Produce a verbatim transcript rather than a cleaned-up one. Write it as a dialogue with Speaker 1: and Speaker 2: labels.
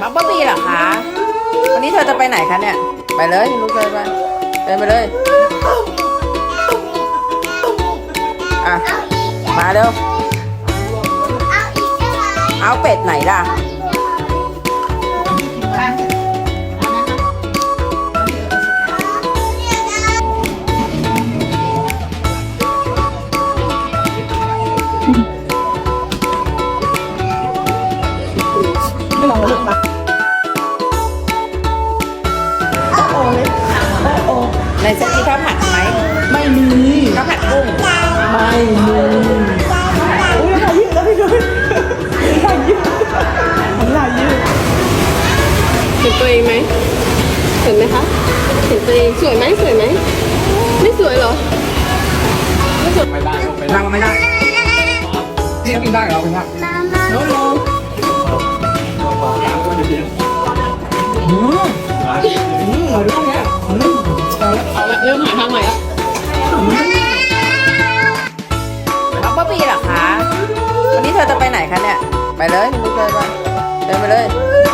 Speaker 1: น้องบ๊อบบี้เหรอคะ วันนี้เธอจะไปไหนคะเนี่ย ไปเลยลูกเลยไปเดินไปเลย อ่ะ มาเร็ว เอาเป็ดไหนล่ะ
Speaker 2: ไม่ลองลูกปะโอ้โหเลยโอ้โห
Speaker 1: ในเซตนี้ข้าวผัดไหม
Speaker 2: ไม่มี
Speaker 1: ข้าวผัดกุ้ง
Speaker 2: ไม่มีอุ้ยถ่ายยืดแล้วพี่นุ้ยถ่ายยืดถ่ายยืด
Speaker 3: เห็นตัวเองไหมเห็นไหมคะ เห็นตัวเองสวยไหมสวยไหม ไม่สวยเหรอ
Speaker 4: ไม่ได้ไม่ได้ไม่ได้ที่กินได้เหรอคุณพ่อ
Speaker 3: โน้โน้
Speaker 2: อืมอืมเอาดูเนี่ยอืม
Speaker 3: เอาละเริ่มหาทางใหม่ละ
Speaker 1: น้องบ๊อบบี้เหรอคะ วันนี้เธอจะไปไหนคะเนี่ย ไปเลยลูกเลยไปเดินไปเลย